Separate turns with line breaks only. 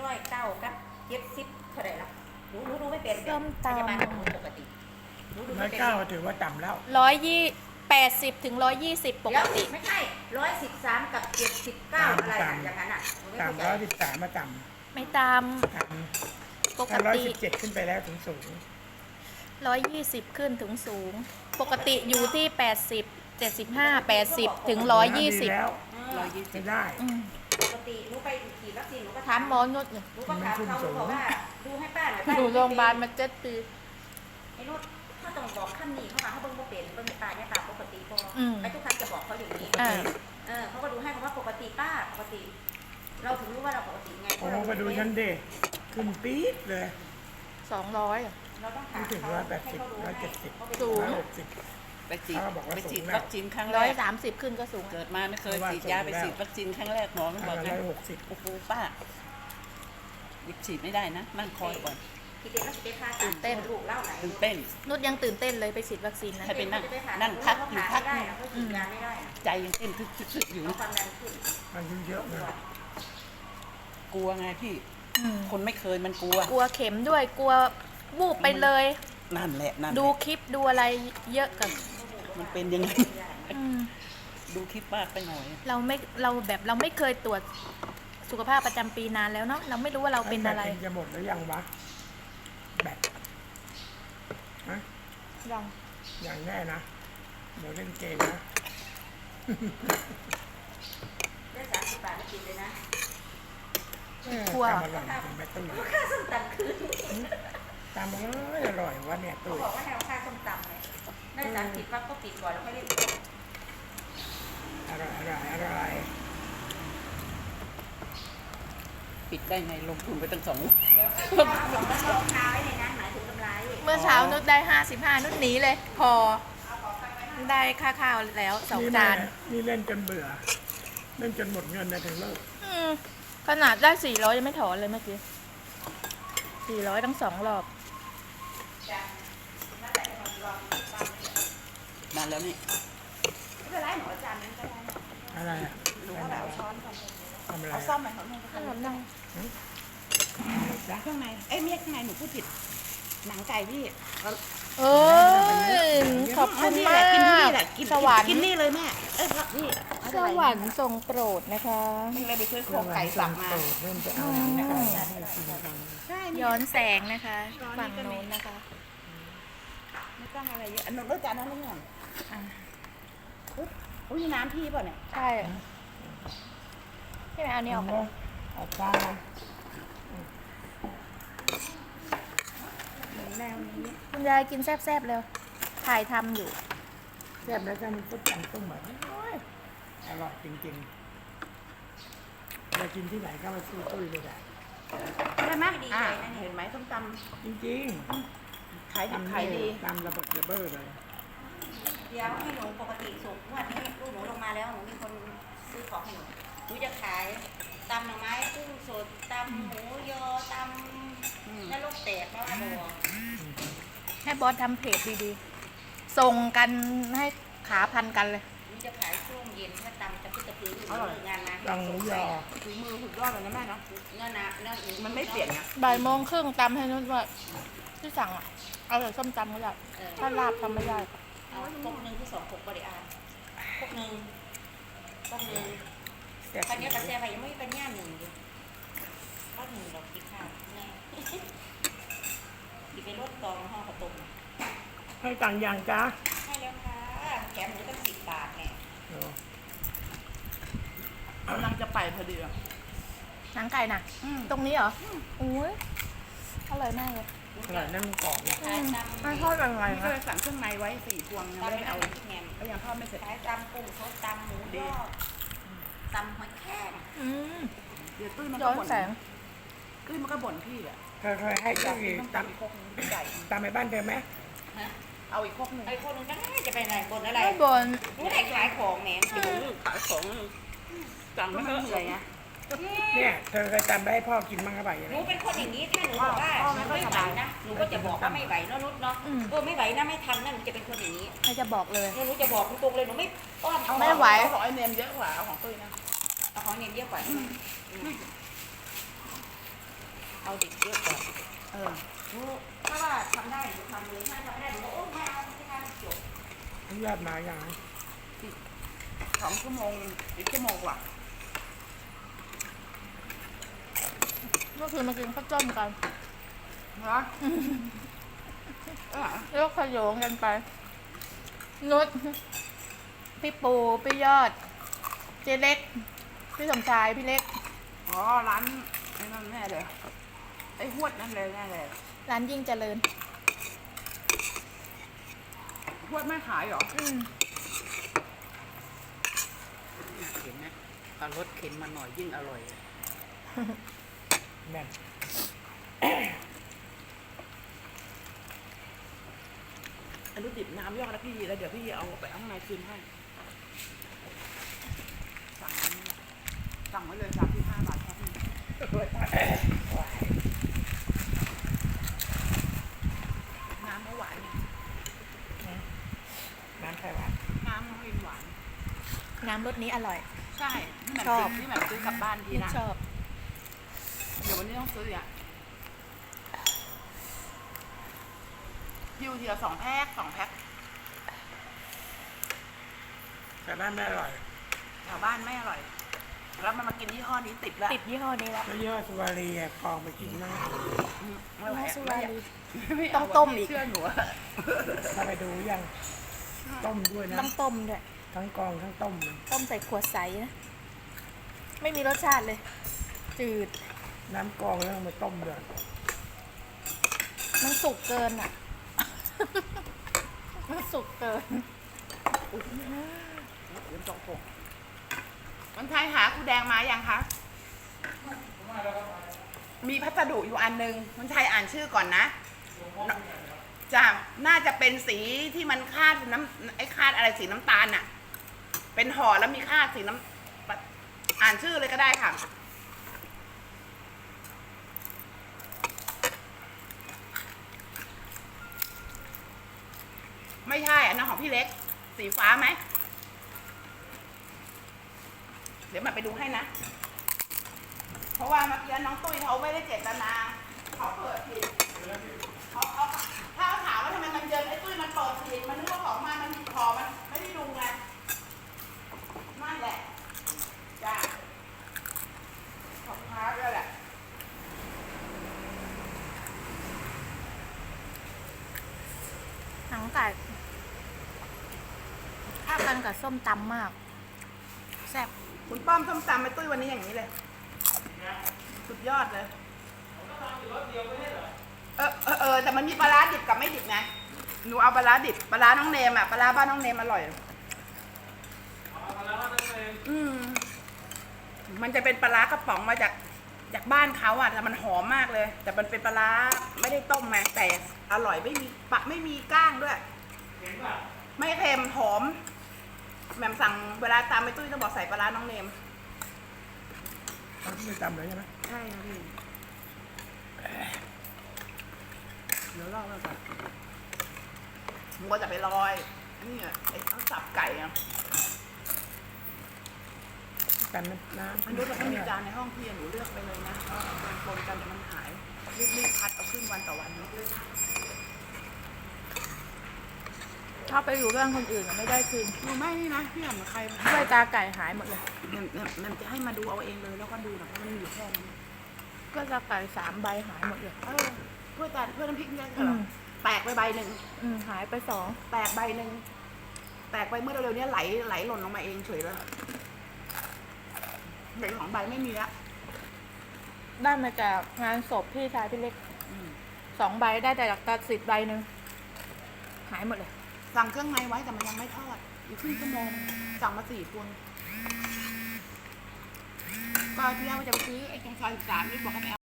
109กับ70เท่าไหร่ละหนูดูไม่เป็น
ส้มตำ
พยาบาลของหนูปกติหนูดูไม่เป็น
109ถือว่าต่ำแล้ว
80 ถึง 120 ปกติ
ไม่ใช่113กับ79อะไรอย่างนั้นอ่ะหนูไม่เข้าใจ
ต่ำ113มาต่
ไม่ตาม
ำต่
ป
ำ
ก
ถ้า
ติ
117ขึ้นไปแล้วถึงสูง
120 ขึ้นถึงสูง ปกติอยู่ที่ 80 75 80 ถึง
ดีแล้ว
120
ไม่ได้
ปกติหนูไปฉีดวัคซีนหนูก็
ถามหมอนุชเนี่ย
หนูก็ถามเขาหนูบอกว่าดูให้ป้าหน่อย
อยู่โรงพยาบาลมา7 ปี
ไอ้นุชถ้าต้องบอกขั้นนี้เข้ามาเขาเบิ่งบ่เป็นเบิ่งป้าเนี่ยตามปกติพอไอ้ทุกครั้งจะบอกเขาอย่างนี้เขาก็ดูให้เขาว่าปกติป้าปกติ เราถึงรู้ว่าเราปกติไง
โอ้โหมาดูฉันเด็กขึ้นปี๊ดเลย
200
เราต้องถาม
ไม่ถึง
เขา
180 170
สูง
160
ไปฉีด
เขาบอกว่า
ไปฉีด
สูงแล้ว
วัคซีนครั้งแรก
130 ขึ้นก็สูง
เกิดมาไม่เคยฉีดยาไปฉีดวัคซีนครั้งแรกหมอมันบอกไง
160
โอ้โหป้าหยิบฉีดไม่ได้นะนั่งคอยก่อน
ทีเดียวเราจะไปพาลูกเล่าไหน
ตื่นเต้น
นุชยังตื่นเต้นเลยไปฉีดวัคซีนนั้น
ให้ไปนั่งพักอยู่พัก
ได้เขาฉีดยาไม่ได้
ใจยังเต้นทึกๆอยู่
เอา
นะ
ความดันขึ้น
อายุเยอะนะ
กลัวไงพี่
อืม
คนไม่เคยมันกลัว
กลัวเข็มด้วย กลัววูบไปเลย
นั่นแหละนั่นแห
ดู
ละ
คลิปดูอะไรเยอะกัน
มันเป็นยังไง
อืม
ดูคลิปมากไปหน่อย
เราไม่เคยตรวจสุขภาพประจำปีนานแล้วเนาะเราไม่รู้ว่าเราเป็นอะไร
แบตจะหมดหรือยังวะแบตฮะ
ยัง
อย่างแน่นะเดี๋ยวเล่นเกมนะ
ได้30 บาทไม่กินเลยนะ
กลัว
ตามอร่อยจริงแม่ตุ้ย
ค่าส้มตำคืน
ตามอร่อยวะเนี่ย
เขา
ตุ้ย
บอกว่าให้เอาค่าส้มตำเลยได้30ปั๊บก็ปิดก่อนแล้วค่อยเล่น
อร่อย
ปิดได้ไงลงทุนไปตั้ง2
รองเท้าไว้ในนั้นหมายถึงกำไร
เมื่อเช้านุชได้55นุชหนีเลย พอได้ค่าข้าวแล้ว2 จาน
นี่เล่นจนเบื่อ เล่นจนหมดเงินนะถึงเลิก
อืมขนาดได้400ยังไม่ถอนเลยเมื่อกี้400ทั้ง2 รอบ
นานแล้วนี่
ไม่เป็นไรหนูอาจารย์นั้นก็ได้
อะไรอ่ะ
หนูก็แบบเอาช้อนก่อน
ทำอะไร
เอาซ่อมไหมเขาเนี่ย
ขนมนัง
จ๊ะ
เครื่องในเอ้ยไม่ใช่เครื่องในหนูพูดผิดหนังไก่พี่
เอ้ยขอบคุณมาก
กินที่นี่แหละกิน
สวรรค์
กินนี่เลยแม่เอ้ยนี่
สวรรค์ทรงโปรดนะคะ
มันเลยไปซื้อโครงไก่สับมา
เริ่มจะเอาหนังไก่ให้กินกัน
ใช่
ย้อนแสงนะคะ ฝั่งโน้นนะคะ
ไม่ต้องอะไรเยอะอันนู้นรสจานนั้นไม่เหมือน
อ่ะ
อุ้ยน้ำพี่เปล่าเนี่ย
ใช่ใช่ไหมเอานี่ออกกัน
เอาปลา
เหมือนแนวนี้
คุณยายกินแซ่บๆเร็วถ่ายทำอยู่
แซ่บแล้วก็มีก๋วยจั๊บต้มแบบอร่อยจริงๆเรากินที่ไหนก็มาซื้อตุ้ยเลยแหละ
ใช่ไหมเห็นไหมส้มต
จริง
ำขาย
ๆ
ดิบขายดี
ตำระเบิดระเบ้อเลย
เดี๋ยวให้หนูปกติสุกวันนี้ลูกหนูลงมาแล้วหนูมีคนซื้อของให้หนูหนูจะขายตำหน่อไม้กุ้งสดตำหมูยอตำนรกแตกบ้าบอ
ให้บอสทำเพจดีๆ ส่งกันให้ขาพันกันเลย
หนูจะขายช่วงเย็นถ้าตำจะพึ่งจะพื้นงานนะ
ตังหมูยอ
ฝีมือสุดยอดเลยนะแม่เนาะเนื้อนะเนื้อมันไม่เปลี่ยนนะ
13:30ตำให้นุชว่าที่สั่งอ่ะ เอาแต่ส้มตำก็ได้ถ้าลาบทำไม่ได้
เอาพกหนึ่งที่2พกบริอารพกหนึ่ง
แซ่บ
คันนี้กระแสไปยังไม่เป็นย่าหนึ่งเลยก็หนึ่งดอกกินข้าวแน่ดิไปรถตองห่อกระตุม
ให้ตังค์ยังจ้า
ให้แล้วค่ะแถมหนูตั้ง10 บาทแน่
กำลังจะไปพอดี
หนังไก่น่ะ ตรงนี้เหรออุ้ยอร่อยมากเลย
อร่อยนั่นมันกรอบนะ
ขายตำ
ไม่ทอดอะไร
ก็เลยสั่งเครื่องในไว้4 พวงยัง
ตำ
ไม่
ไม่
ได้
เอา
เอา
แหนม
ก็ยังทอดไม่เสร็จ
ขายตำกุ้งสดตำหมูยอตำหอยแครง
อืม
เดี๋ยวตุ้ยมัน
ย้
ก็
อน
บ่น
แสง
ตุ้ยมันก็บ่นพี่แหละ
เคยให้
อยาก
ตุ้
กิ
ย
นต้อง
ต
ตำอีกครกนึงใหญ่
ำตำไปบ้านเธอไหม
ฮะ
เอาอีกครกนึง
ไอ้คนนึงจะไปไหนบนอะไร
ไม่บน
หนูได้ขายของแหนม
ขายของสั่ง
มั
ไม่
น
เท่า
เห
ไห
นื่
ร่
อยนะ
เนี่ยเธอเคยตำไปให้พ่อกินบ้างก็ไปยัง
ห
ไง
นูเป็นคนอย่างนี้ถ้าหนูบอกว่าหนูไม่ไหวนะหนูก็จะบอกว่าไม่ไหวเนาะนุชเนาะไม่ไหวนะไม่ทำนะหนูจะเป็นคนอย่างนี้
ใครจะบอกเลย
หนูจะบอกตรงเลยหนูไม่อ้อม
ไม่ไหว
เอาของไอเนมเยอะกว่าเอาของตุ้ยนะ
เอาของเนียนเยอะกว่า
เอาดิบเยอะก่อนเออ
หนูถ้าว่าทำได้หนูทำเลยถ้าทำไม่ได้หนูก็โอ้ไม่เอาไม่ทำจบ
อนุญาตมาอย่าง
2 ชั่วโมงอีกชั่วโมงกว่า
เมื่อคืนมากินข้าวต้มกัน
เหรอเออ
แล้วขยงกันไปนุชพี่ปูพี่ยอด เจเล็ก พี่สมชายพี่เล็ก
อ๋อร้านไอ้นั่นแน่เลยไอ้หวดนั่นเลยแน่เลย
ร้านยิ่งเจริญ
หวดไม่ขายเหรอ
อืม
เห็นไหมเอารสเค็มมาหน่อยยิ่งอร่อย
แม่น
อันนี้ดิบน้ำยอกนะพี่แล้วเดี๋ยวพี่เอาไปเอาข้างในคืนให้สั่งไว้เลย35 บาทครับพี่น้ำไม่หวาน
น้ำไข่หวาน
น้ำไม่หวาน
น้ำรสนี้อร่อย
ใช่นี่แบบ
ชอบ
นี่แบบซื้อกลับบ้านที
ยิ่ง
นะ
ชอบ
เดี๋ยววันนี้ต้องซื้ออ่ะทีละ2 แพ็ค2 แพ็ค
แต่บ้านไม่อร่อย
แถวบ้านไม่อร่อย แล้วมันมากินยี่ห้อนี้ติดแล้ว
ติดยี่ห้อนี้แล้ว
แล้วยี่ห้อสุวารีอะกองไปกินมาก
ไม่ไหว
สุรารี
ไม่
ต้
เา
องต้มอีก
เชื่อหนูอะ
ถ้าไปดูยังต้มด้วยนะ
ต้องต้มด้วย
ทั้งกองทั้งต้ม
ต้มใส่ขวดใสนะ ไม่มีรสชาติเลย จืด
น้ำกองแล้วเอามาต้มด้วย
มันสุกเกินอ่ะ มันสุกเกิน
มันไทยหาครูแดงมายังคะมีพัสดุอยู่อันนึงมันไทยอ่านชื่อก่อนนะจะน่าจะเป็นสีที่มันคาดน้ำไอ้คาดอะไรสีน้ำตาลน่ะ เป็นห่อแล้วมีคาดสีน้ำอ่านชื่อเลยก็ได้ค่ะ ไม่ใช่อันนั้นของพี่เล็ก สีฟ้าไหม เดี๋ยวมาไปดูให้นะ เพราะว่าเมื่อกี้น้องตุ้ยเขาไม่ได้เจตนาเขาเปิดผิดเขาถ้าเขาถามว่าทำไมมันเยินไอ้ตุ้ยมันเปิดผิดมันนึกว่าของมันขอมันไม่ได้ดูไงนั่นแหละจ้าของค้าด้วยแหละ
หนังไก่เข้ากันกับส้มตำมาก แซ่บ
คุณป้อมส้มตำไอ้ตุ้ยวันนี้อย่างนี้เลยสุดยอดเลยแต่มันมีปลาร้าดิบกับไม่ดิบไงหนูเอาปลาร้าดิบปลาร้าน้องเนมอ่ะปลาร้าบ้านน้องเนมอร่อยมันจะเป็นปลาร้ากระป๋องมาจากบ้านเขาอ่ะแต่มันหอมมากเลย แต่มันเป็นปลาร้าไม่ได้ต้มมาแต่อร่อยไม่มีก้างด้วยไม่เค็มหอมแหม่มสั่งเวลาตามไปตุ้ยต้องบอกใส่ปลาร้าน้องเนม
เขาไม่จำเลยใช่ไหม
ใช่ค่ะพี่เดี๋ยวเล่าแล้วกันมัวจะไปลอยนี่อ่ะไอ้ข้าวสับไก่อ่ะ
กันน้ำ
อันนี้เราไม่มีจานในห้องพี่หนูเลือกไปเลยนะมันปนกันเดี๋ยวมันหายรีบพัดเอาขึ้นวันต่อวันนะ
ถ้าไปอยู่เรื่องคนอื่นอะไม่ได้คืน
หนูไม่นี่นะพี่หันมาใคร
ด้วยตาไก่หายหมดเลย
มันจะให้มาดูเอาเองเลยแล้วก็ดูนะเพราะมันมีอยู่แค่นั้น
ก็ตาไก่3 ใบหายหมดเลย
เพื่อน้ำพริกเนี่ยเหรอแตกไปใบหนึ่ง
หายไป2
แตกใบหนึ่งแตกไปเมื่อเร็วๆนี้ไหลหล่นลงมาเองเฉยเลยเหลือ2 ใบไม่มีละ
ได้มาจากงานศพพี่ชายพี่เล็ก 2 ใบได้แต่จากตัดสิทธิ์ใบหนึ่งหายหมดเลย
สั่งเครื่องในไว้แต่มันยังไม่ทอดอีกครึ่งชั่วโมงสั่งมา4 พวงก็ที่แรกว่าจะไปซื้อไอ้ตรงซอย13นี่บอกให้ไป